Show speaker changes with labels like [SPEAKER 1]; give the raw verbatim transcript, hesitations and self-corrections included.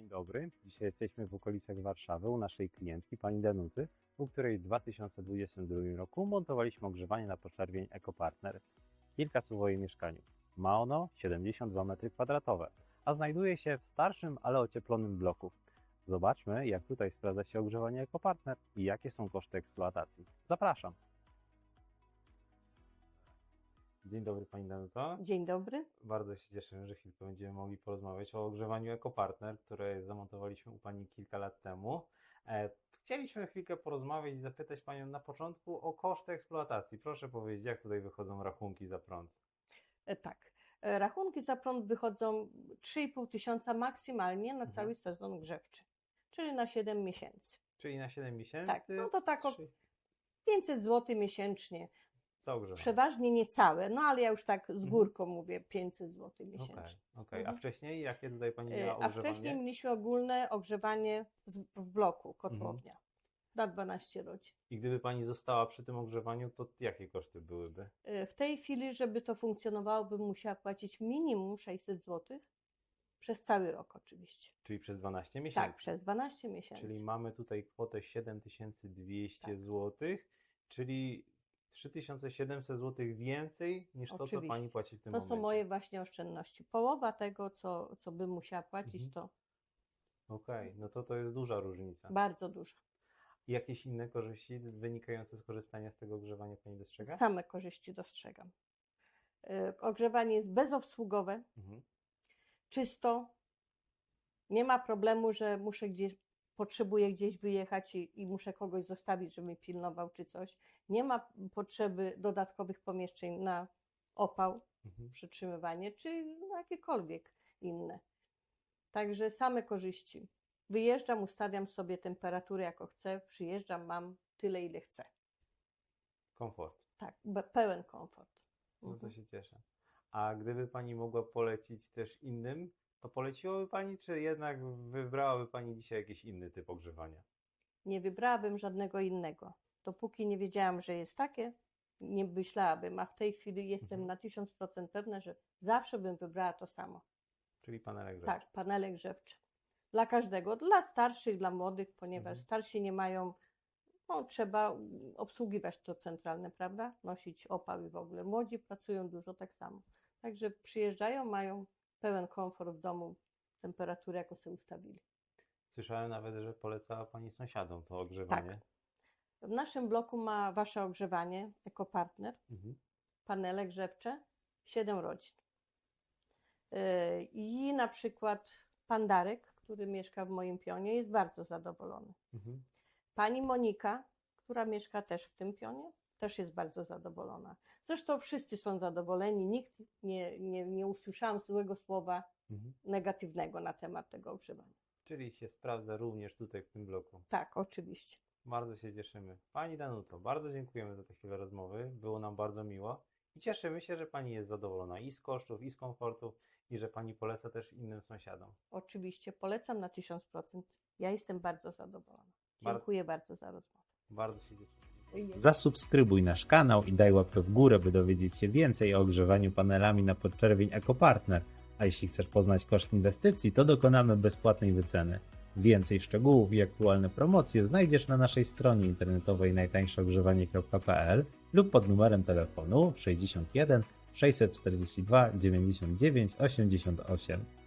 [SPEAKER 1] dobry. Dzisiaj jesteśmy w okolicach Warszawy u naszej klientki, pani Danuty, u której w dwa tysiące dwudziestym drugim roku montowaliśmy ogrzewanie na podczerwień EcoPartner. Kilka słów o jej mieszkaniu. Ma ono siedemdziesiąt dwa metry kwadratowe, a znajduje się w starszym, ale ocieplonym bloku. Zobaczmy, jak tutaj sprawdza się ogrzewanie EcoPartner i jakie są koszty eksploatacji. Zapraszam. Dzień dobry pani Danuto.
[SPEAKER 2] Dzień dobry.
[SPEAKER 1] Bardzo się cieszę, że chwilkę będziemy mogli porozmawiać o ogrzewaniu EcoPartner, które zamontowaliśmy u pani kilka lat temu. E, chcieliśmy chwilkę porozmawiać i zapytać panią na początku o koszty eksploatacji. Proszę powiedzieć, jak tutaj wychodzą rachunki za prąd?
[SPEAKER 2] E, tak. E, Rachunki za prąd wychodzą trzy i pół tysiąca maksymalnie na
[SPEAKER 1] Mhm.
[SPEAKER 2] cały sezon grzewczy, czyli na siedem miesięcy.
[SPEAKER 1] Czyli na siedem miesięcy?
[SPEAKER 2] Tak, no to tak o
[SPEAKER 1] trzy-
[SPEAKER 2] pięćset złotych miesięcznie.
[SPEAKER 1] za ogrzewanie.
[SPEAKER 2] Przeważnie niecałe, no ale ja już tak z
[SPEAKER 1] Mhm.
[SPEAKER 2] górką mówię, pięćset złotych
[SPEAKER 1] Okej,
[SPEAKER 2] miesięcznie.
[SPEAKER 1] okej.
[SPEAKER 2] Mhm.
[SPEAKER 1] A wcześniej jakie tutaj pani
[SPEAKER 2] E,
[SPEAKER 1] miała
[SPEAKER 2] A
[SPEAKER 1] ogrzewanie?
[SPEAKER 2] wcześniej mieliśmy ogólne ogrzewanie z- w bloku, kotłownia, na dwanaście rodzin.
[SPEAKER 1] I gdyby pani została przy tym ogrzewaniu, to jakie koszty byłyby?
[SPEAKER 2] E, W tej chwili, żeby to funkcjonowało, bym musiała płacić minimum sześćset złotych przez cały rok oczywiście.
[SPEAKER 1] Czyli przez dwanaście miesięcy?
[SPEAKER 2] Tak, przez dwanaście miesięcy.
[SPEAKER 1] Czyli mamy tutaj kwotę siedem tysięcy dwieście
[SPEAKER 2] Tak.
[SPEAKER 1] złotych, czyli trzy tysiące siedemset złotych więcej niż to, co
[SPEAKER 2] Oczywiście.
[SPEAKER 1] pani płaci w tym
[SPEAKER 2] To
[SPEAKER 1] momencie.
[SPEAKER 2] są moje właśnie oszczędności. Połowa tego, co, co bym musiała płacić,
[SPEAKER 1] Mhm.
[SPEAKER 2] to
[SPEAKER 1] Okej, no to to jest duża różnica.
[SPEAKER 2] bardzo dużo.
[SPEAKER 1] I jakieś inne korzyści wynikające z korzystania z tego ogrzewania pani dostrzega?
[SPEAKER 2] Same korzyści dostrzegam. Y, Ogrzewanie jest bezobsługowe,
[SPEAKER 1] Mhm.
[SPEAKER 2] czysto. Nie ma problemu, że muszę gdzieś, potrzebuję gdzieś wyjechać i, i muszę kogoś zostawić, żeby mi pilnował czy coś. Nie ma potrzeby dodatkowych pomieszczeń na opał,
[SPEAKER 1] Mhm.
[SPEAKER 2] przytrzymywanie, czy no jakiekolwiek inne. Także same korzyści. Wyjeżdżam, ustawiam sobie temperaturę jako chcę, przyjeżdżam, mam tyle, ile chcę.
[SPEAKER 1] Komfort.
[SPEAKER 2] Tak, be- pełen komfort.
[SPEAKER 1] No to
[SPEAKER 2] Mhm.
[SPEAKER 1] się cieszę. A gdyby pani mogła polecić też innym, to poleciłaby pani, czy jednak wybrałaby pani dzisiaj jakiś inny typ ogrzewania?
[SPEAKER 2] Nie wybrałabym żadnego innego. Dopóki nie wiedziałam, że jest takie, nie myślałabym, a w tej chwili jestem
[SPEAKER 1] Mhm.
[SPEAKER 2] na tysiąc procent pewna, że zawsze bym wybrała to samo.
[SPEAKER 1] Czyli panele grzewcze.
[SPEAKER 2] Tak, panele grzewcze. Dla każdego, dla starszych, dla młodych, ponieważ
[SPEAKER 1] Mhm.
[SPEAKER 2] starsi nie mają, no trzeba obsługiwać to centralne, prawda? Nosić opał i w ogóle. Młodzi pracują dużo tak samo. Także przyjeżdżają, mają pełen komfort w domu, temperaturę jaką sobie ustawili.
[SPEAKER 1] Słyszałem nawet, że polecała pani sąsiadom to ogrzewanie.
[SPEAKER 2] W naszym bloku ma wasze ogrzewanie, EcoPartner,
[SPEAKER 1] Mhm.
[SPEAKER 2] panele grzewcze, siedem rodzin. Yy, I na przykład pan Darek, który mieszka w moim pionie, jest bardzo zadowolony.
[SPEAKER 1] Mhm.
[SPEAKER 2] Pani Monika, która mieszka też w tym pionie, też jest bardzo zadowolona. Zresztą wszyscy są zadowoleni, nikt nie, nie, nie usłyszałam złego słowa
[SPEAKER 1] Mhm.
[SPEAKER 2] negatywnego na temat tego ogrzewania.
[SPEAKER 1] Czyli się sprawdza również tutaj w tym bloku.
[SPEAKER 2] Tak, oczywiście.
[SPEAKER 1] Bardzo się cieszymy. Pani Danuto, bardzo dziękujemy za tę chwilę rozmowy. Było nam bardzo miło. I cieszymy się, że pani jest zadowolona i z kosztów, i z komfortu, i że pani poleca też innym sąsiadom.
[SPEAKER 2] Oczywiście polecam na tysiąc procent. Ja jestem bardzo zadowolona.
[SPEAKER 1] Bar-
[SPEAKER 2] Dziękuję bardzo za rozmowę.
[SPEAKER 1] Bardzo się cieszymy.
[SPEAKER 3] Zasubskrybuj nasz kanał i daj łapkę w górę, by dowiedzieć się więcej o ogrzewaniu panelami na podczerwień EcoPartner. A jeśli chcesz poznać koszt inwestycji, to dokonamy bezpłatnej wyceny. Więcej szczegółów i aktualne promocje znajdziesz na naszej stronie internetowej najtańsze ogrzewanie kropka p l lub pod numerem telefonu sześćdziesiąt jeden sześćset czterdzieści dwa dziewięćdziesiąt dziewięć osiemdziesiąt osiem.